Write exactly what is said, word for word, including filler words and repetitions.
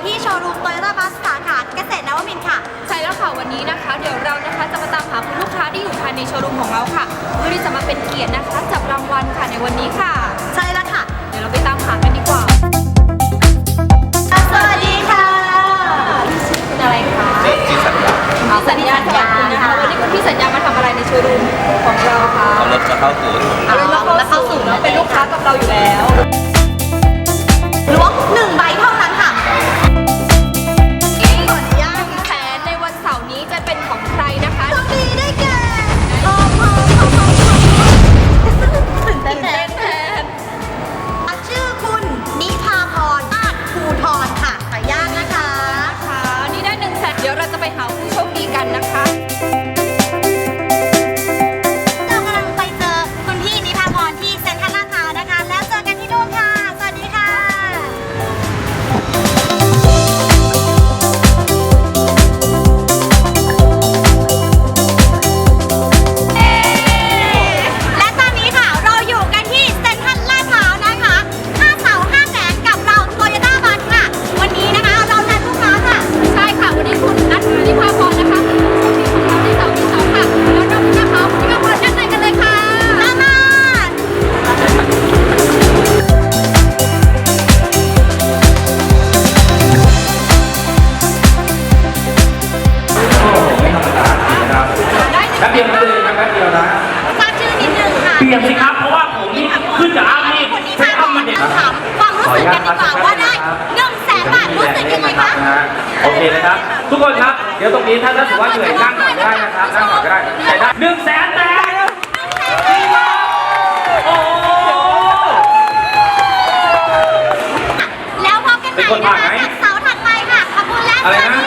ที่โชว์รูมโตโยต้าบัสสาขาเกษตรนวมินทร์ค่ะใช่แล้วค่ะวันนี้นะคะเดี๋ยวเรานะคะจะมาตามหาคุณลูกค้าที่อยู่ภายในโชว์รูมของเราค่ะเพื่อที่จะมาเป็นเกียรตินะคะจับรางวัลค่ะในวันนี้ค่ะใช่แล้วค่ะเดี๋ยวเราไปตามหากันดีกว่าสวัสดีค่ะคุณอะไรคะพี่สัญญาพี่สัญญาสวัสดีนะคะวันนี้คุณพี่สัญญามาทำอะไรในโชว์รูมของเราคะเอารถจะเข้าศูนย์เอารถมาเข้าศูนย์เนาะเป็นลูกค้ากับเราอยู่แล้วล้วงหนึ่งใบเท่านั้นค่ะก่อนย่างแสนในวันเสาร์นี้จะเป็นของใครนะคะโชคดีได้แก่โอ้โหตื่นเต้นแทนชื่อคุณนิพาพรอาจภูทรค่ะขออนุญาตนะคะค่ะนี่ได้หนึ่งแสนเดี๋ยวเราจะไปหาผู้โชคดีกันนะคะเรากำลังไปเจอคุณพี่นิพาพรที่เซ็นทรัลลาดพร้าวนะคะแล้วเจอกันที่นู่นค่ะสวัสดีค่ะและตอนนี้ค่ะเราอยู่กันที่เซ็นทรัลลาดพร้าวนะคะห้าเสาห้าแสนกับเราโตโยต้าบัสค่ะวันนี้นะคะเรานัดลูกค้าค่ะใช่ค่ะวันนี้คุณนัทนิพาพรนะคะเป็นผู้โชคดีของเราในเสาร์ที่สองค่ะแล้วเราจะพาคุณนิพาพรด้านในกันเลยค่ะตามมาแป๊บเดียวนะเลยครับแป๊บเดียวนะทราบชื่อนิดนึงค่ะเปลี่ยนสิครับเพราะว่าผมนี่ขึ้นจากอ้ามนี่ใช้อ้ามมันเด็กถามความรู้สึกกันดีกว่าว่าได้หนึ่งแสนบาทรู้สึกยังไงคะโอเคนะครับทุกคนครับเดี๋ยวตรงนี้ถ้ารู้สึกว่าเหนื่อยนั่งก่อนได้นะครับนั่งก่อนก็ได้แต่ได้หนึ่งแสนแต่โอ้แล้วพบกันใหม่นะคะเสาร์ถัดไปค่ะขบวนแรกอะไรนะ